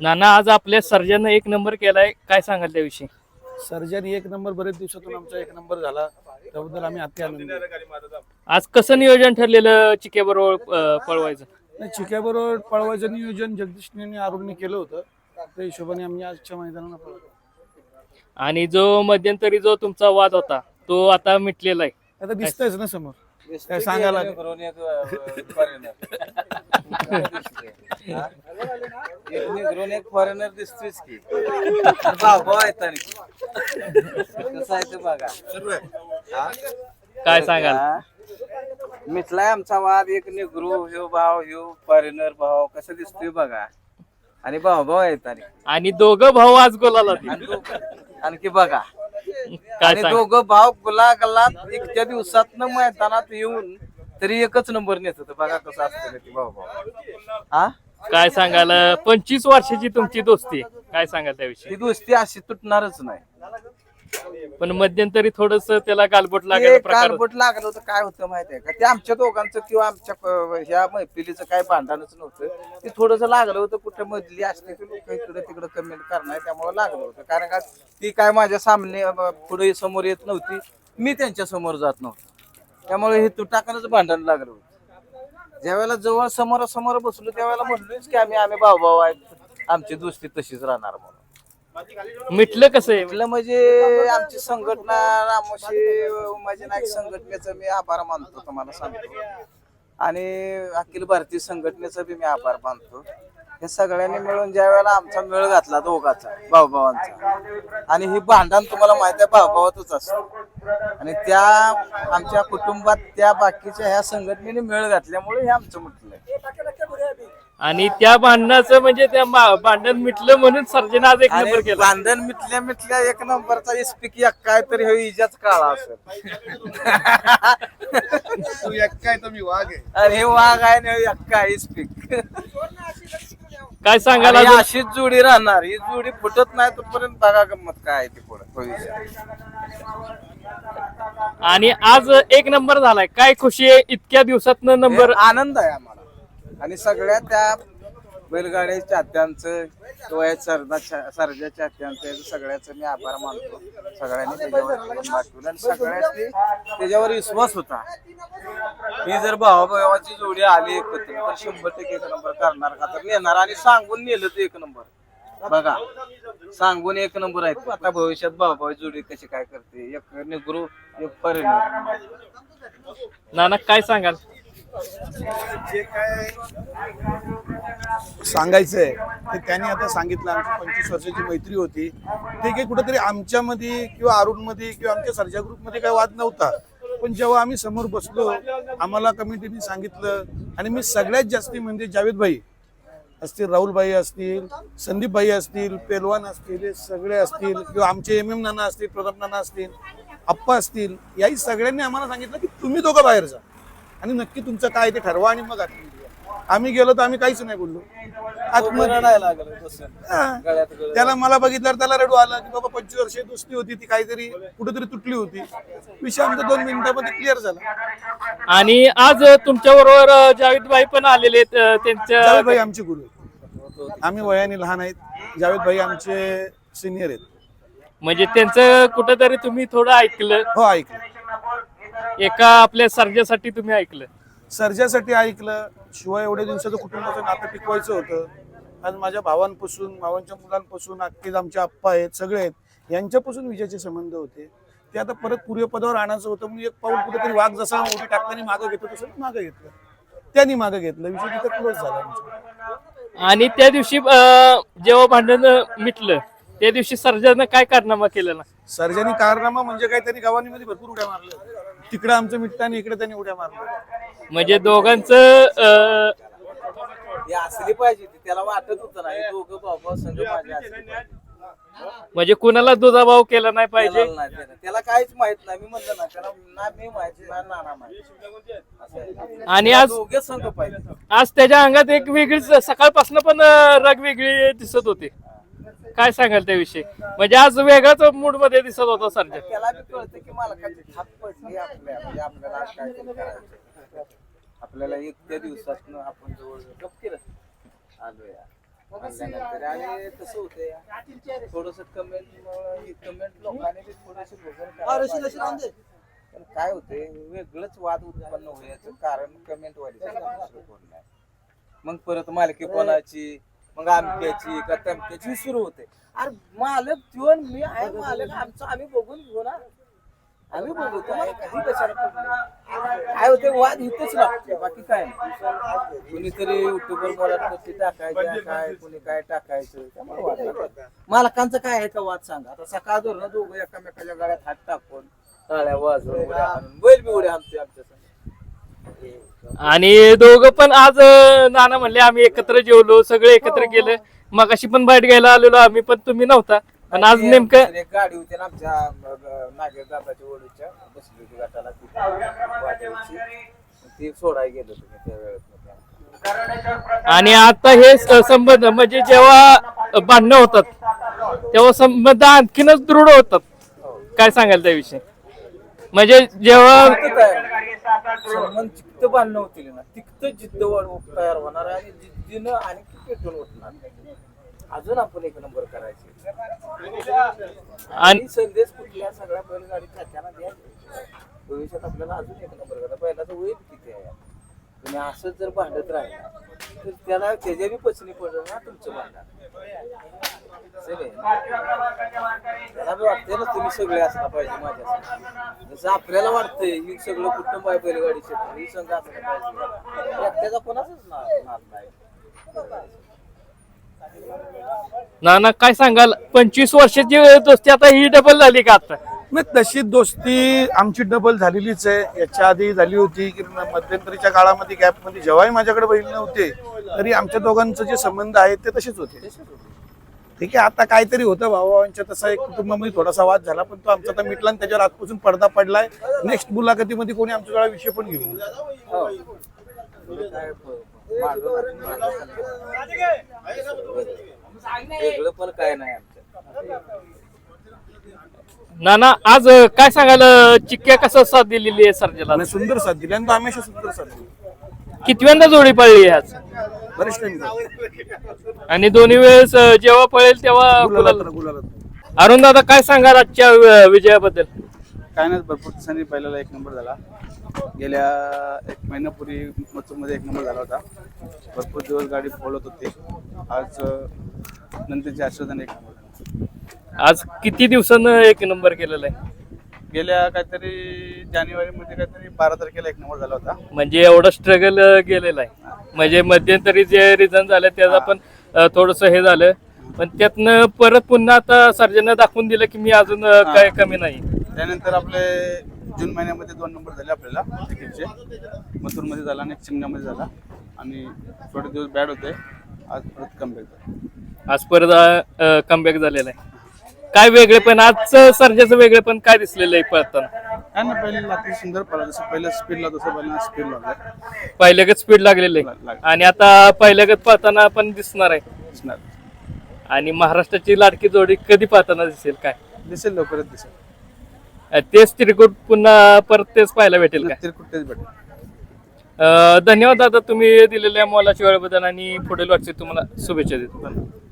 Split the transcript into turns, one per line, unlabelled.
नाना आज आपल्या सर्जन एक नंबर केलाय, काय सांगाल त्याविषयी?
सर्जन एक नंबर, बरेच दिवसातून आमचा एक नंबर झाला, त्याबद्दल आम्ही अति आनंदी आहे.
आज कसं नियोजन ठरलेलं चिक्याबरोबर पळवायचं?
चिक्याबरोबर पळवायचं नियोजन जगदीशने अरुणने केलं होतं, त्या हिशोबाने आम्ही आजच्या मैदानाला पळवलं.
आणि जो मध्यंतरी जो तुमचा वाद होता तो आता मिटलेला आहे.
आता दिसतंयच ना समोर, काय सांगायला
एक फॉरेनर दिसतोच की भाऊ आहेत आणि कसं आहे ते बघा.
काय सांगाल?
मिटलाय आमचा वाद. एक निग्रो ह्यो भाव ह्यो फॉरेनर भाव कसं दिसतोय बघा. आणि भाऊ आहेत
आणि दोघं भाऊ आज गोलाला
आणखी बघा.
काय
आणि दोघं भाव गुलागलात इतक्या दिवसात मैदानात येऊन तरी एकच नंबर नेत होतं बघा कसं असतं ते भाऊ हा.
काय सांगाल? 25 वर्षाची तुमची दोस्ती, काय सांगाल त्याविषयी?
ही दोस्ती अशी तुटणारच नाही.
पण मध्यंतरी थोडस त्याला गालबोट लागलं प्रकार
कारबोट लागलं होतं. काय होतं माहितीये का, ते आमच्या दोघांचं किंवा आमच्या ह्या मैफिलीचं काय भांडणच नव्हतं. ते थोडस लागलं होतं. कुठे मधली असते की लोक इकडे तिकडे कमेंट करणार, त्यामुळे लागलं होतं. कारण का ती काय माझ्या सामने पुढे समोर येत नव्हती, मी त्यांच्या समोर जात नव्हतो, त्यामुळे हे तुटाकनच भांडण लागलं होतं. ज्यावेळेला जवळ समोरासमोर बसलो त्यावेळेला म्हणलोच की आम्ही भाऊ आहेत, आमची दोस्ती तशीच राहणार म्हणून.
मिटलं कसं आहे?
म्हटलं म्हणजे आमची संघटना रामोशी उमाजी नाईक संघटनेचा मी आभार मानतो तुम्हाला सांगतो, आणि अखिल भारतीय संघटनेचा बी मी आभार मानतो. हे सगळ्यांनी मिळून ज्या वेळेला आमचा मेळ घातला दोघाचा भाऊभावांचा, आणि ही भांडण तुम्हाला माहिती आहे भाऊभावातच असतं, आणि त्या आमच्या कुटुंबात त्या बाकीच्या ह्या संघटनेने मेळ घातल्यामुळे हे आमचं म्हटलंय.
आणि त्या भांडणाचं म्हणजे त्या भांडण मिटलं म्हणून सर्जन आज एक नंबर केला.
भांडण मिटल्या एक नंबरचा इस्पिक एक काय तरी हे इजाच काळा असेल.
तू एक काय तर मी वाघ आहे.
आणि हे वाघ आहे ना एक काय इस्पिक.
काय सांगाल?
आणि अशीच जोडी राहणार. ही जोडी फुटत नाही तोपर्यंत बघा गंमत काय आहे ती पुढे भविष्यात.
आणि आज एक नंबर झालाय, काय खुशी आहे इतक्या दिवसात नंबर?
आनंद आहे आम्हाला. आणि सगळ्या त्या बैलगाड्या चाहत्यांचं किंवा सरजा चाहत्यांचं सगळ्याचं मी आभार मानतो. सगळ्यांनी त्याच्यावर पाठवलं आणि सगळ्यांनी त्याच्यावर विश्वास होता. ही जर भावाभावाची जोडी आली एकत्र तर 100% एक नंबर करणार का तर नेणार, आणि सांगून नेलं तर एक नंबर बघा. सांगून एक नंबर आहेत. आता भविष्यात भावाभावी जोडी कशी काय करते, एक निग्रो एक परिणाम.
नाना काय सांगाल?
जे काय सांगायचंय ते त्यांनी आता सांगितलं. आमची 25 वर्षाची मैत्री होती, ते काही कुठेतरी आमच्यामध्ये किंवा अरुणमध्ये किंवा आमच्या सर्जा ग्रुपमध्ये काही वाद नव्हता. पण जेव्हा आम्ही समोर बसलो, आम्हाला कमिटीने सांगितलं, आणि मी सगळ्यात जास्ती म्हणजे जावेद भाई असतील, राहुल भाई असतील, संदीप भाई असतील, पेलवान असतील, हे सगळे असतील, किंवा आमचे MM नाना असतील, प्रताप नाना असतील, आप्पा असतील, याही सगळ्यांनी आम्हाला सांगितलं की तुम्ही दोघं बाहेर जा आणि नक्की तुमचं काय ते ठरवा आणि मग आतमध्ये या. आम्ही गेलो तर आम्ही काहीच नाही बोललो. त्याला मला बघितल्यावर त्याला रडू आला की बाबा 25 वर्षे दोस्ती होती, ती काहीतरी कुठेतरी तुटली होती. विषय आमचा 2 मिनिटांमध्ये क्लिअर झाला.
आणि आज तुमच्या बरोबर जावेद भाई पण आलेले आहेत. त्यांच्या
जावेद भाई आमचे गुरु आहेत. आम्ही वयाने लहान आहेत, जावेद भाई आमचे सिनियर आहेत.
म्हणजे त्यांचं कुठंतरी तुम्ही थोडं ऐकलं?
हो ऐकलं.
एका आपल्या सर्जासाठी तुम्ही ऐकलं?
सर्जासाठी ऐकलं. शिवाय एवढ्या दिवसाचं कुटुंबाचं नातं टिकवायचं होतं. आज माझ्या भावांपासून, भावांच्या मुलांपासून, अख्खेच आमचे आप्पा आहेत, सगळे आहेत, यांच्यापासून विजयाचे संबंध होते. ते आता परत पूर्वपदावर आणायचं होतं. म्हणून एक पाऊल कुठेतरी वाघ जसा उडी टाकताना मागं घेतो तसं मागं घेतलं, त्यांनी मागं घेतलं. विषय तिथं क्लोज झाला आमचा.
आणि त्या दिवशी जेव्हा भांडण मिटलं त्या दिवशी सर्जानं काय कारनामा केलं? ना
सर्जानी कारनामा म्हणजे काय, त्यांनी गावांमध्ये भरपूर उड्या मारल्या. तिकडे आमचं मिटतं आणि इकडे त्यांनी उड्या मारल्या.
म्हणजे दोघांचं
असली पाहिजे ती, त्याला वाटत होतं ना हे दोघं भाऊ संघ माझे.
म्हणजे कुणाला दुजाभाव केला नाही पाहिजे.
त्याला काहीच माहित नाही. मी म्हणलं ना त्याला, ना मी माहिती ना नाना माहिती.
आणि आज
दोघे संघ पाहिजे.
आज त्याच्या अंगात एक वेगळीच सकाळपासून पण रग वेगळी दिसत होती. काय सांगाल त्याविषयी? म्हणजे आज वेगळाच मूड मध्ये दिसत होता सर्जा.
त्याला बी कळतं की मला काय थाप पडली आपल्या, म्हणजे आपल्याला आज काय करायचं. आपल्याला एक त्या दिवसात आपण जवळ गप्प केलं आलोया. म्हणल्यानंतर आणि तसं होतंय थोडस कमेंट लोकांनी बी थोडीशी भोगून करायला पाहिजे. पण काय होते वेगळंच वाद उत्पन्न होण्याचं कारण कमेंट वाली मग परत मालकी कोणाची मग आमक्याची का तमक्याची सुरू होते. अरे मालक त्यो मी आहे मालक आमचं आम्ही बघून घेऊ ना आम्ही बघू तुम्हाला काही कशाला काय होते वाद इथंच लागते बाकी काय नाही. कुणीतरी युट्यूबवर बोलत कशी टाकायचं काय कुणी काय टाकायचं त्यामुळे वाद लागतात. मालकांचं काय आहे का वाद सांगा. आता सकाळ धरून दोघं एकामेकाच्या गळ्यात हात टाकून टाळ्या वाजवून उड्या हाणून बैल बी उड्या हाणतोय आमच्या संग.
आणि दोघं पण आज नाना म्हणले आम्ही एकत्र जेवलो सगळे एकत्र गेले. मगाशी पण बाईट घ्यायला आलेलो आम्ही पण तुम्ही नव्हता. पण आज नेमकं
एक गाडी होती ना आमच्या नागेर दादाच्या ओळीच्या बसली होती गटाला ती सोडायला गेलो तुम्ही त्या वेळेत.
आणि आता हे संबंध म्हणजे जेव्हा भांडणं होतात तेव्हा संबंध आणखीनच दृढ होतात. काय सांगाल त्याविषयी म्हणजे जेव्हा
संबंध जिद्द बांधणं होतील ना तिथं जिद्द तयार होणार आणि जिद्दीनं आणि पेटून उठणार अजून आपण एक नंबर करायचे. आणि संदेश कुठल्या सगळ्या बैलगाडी खात्याला द्यायचे भविष्यात आपल्याला अजून एक नंबर करा. पहिल्याचं वय किती आहे तुम्ही असंच जर भांडत राहिला तर त्याला त्याच्या बी पचनी पडलं ना तुमचं भांडण त्याला बी वाटतंय ना तुम्ही सगळे असला पाहिजे माझ्यासाठी जसं आपल्याला वाटतंय ही सगळं कुटुंब आहे बैलगाडी क्षेत्र ही संघ असला पाहिजे एकट्याचा कोणाचाच नाद नाही.
नाना काय सांगाल 25 वर्षाची दोस्ती आता ही डबल झाली का आता.
नाही तशी दोस्ती आमची डबल झालेलीच आहे. याच्या आधी झाली होती की मध्यंतरीच्या काळामध्ये गॅपमध्ये जेव्हाही माझ्याकडे बहीण नव्हते तरी आमच्या दोघांचे जे संबंध आहेत ते तसेच होते. ठीक आहे आता काहीतरी होतं भावांच्या तसा एक कुटुंबामध्ये थोडासा वाद झाला पण तो आमचा आता मिटला आणि त्याच्यावर आजपासून पडदा पडलाय. नेक्स्ट मुलाखतीमध्ये कोणी आमच्याकडे विषय पण घेऊन
वेगळं पण काय नाही आमच्या.
नाना आज काय सांगाल चिक्क्या कसं साथ दिलेली आहे सर्जेला.
आणि सुंदर साथ दिली आणि तो हमेशा सुंदर साथ दिली.
कितव्यांदा जोडी पडली आज
बरेच टाइम
आणि दोन्ही वेळेस जेव्हा पळेल तेव्हा
गुलाला
अरुण दादा काय सांगाल आजच्या विजयाबद्दल.
काय नाही भरपूर दिवसांनी पहिल्याला एक नंबर झाला. गेल्या एक महिन्यापूर्वी मथुरमध्ये एक नंबर झाला होता. भरपूर दिवस गाडी पळत होती. आज नंतरच्या आश्वासन एक नंबर झाला.
आज किती दिवसानं एक नंबर केलेला आहे.
गेल्या काहीतरी जानेवारीमध्ये काहीतरी 12 तारखेला एक नंबर झाला होता.
म्हणजे एवढं स्ट्रगल गेलेलं आहे. म्हणजे मध्यंतरी जे रिझन झालं त्याचा पण थोडस हे झालं पण त्यातनं परत पुन्हा आता सर्जननं दाखवून दिलं की मी अजून काय कमी नाही.
त्यानंतर आपले जून महिन्यामध्ये 2 नंबर झाले आपल्याला क्रिकेटचे. मथुरमध्ये झाला आणि चिमण्यामध्ये झाला आणि थोडे दिवस बॅड होते. आज परत कमबॅक झाला.
आज परत कमबॅक झालेला आहे. काय वेगळे पण आजचं सर्जाचं वेगळे पण काय दिसलेलं आहे पळताना.
काय ना पहिले अति सुंदर पळा जसं पहिलं स्पीडला तसं पहिल्यांदा स्पीड लागलं
पहिल्यागत स्पीड लागलेलं आहे आणि आता पहिल्यागत पळताना पण दिसणार आहे.
दिसणार
आणि महाराष्ट्राची लाडकी जोडी कधी पाहताना दिसेल काय
दिसेल लवकरच दिसेल.
तेच त्रिकूट पुन्हा परत तेच पाहायला भेटेल काय.
कुठेच भेटेल.
धन्यवाद दादा तुम्ही दिलेल्या मोलाच्या वेळेबद्दल आणि पुढील वाटचे तुम्हाला शुभेच्छा देतो.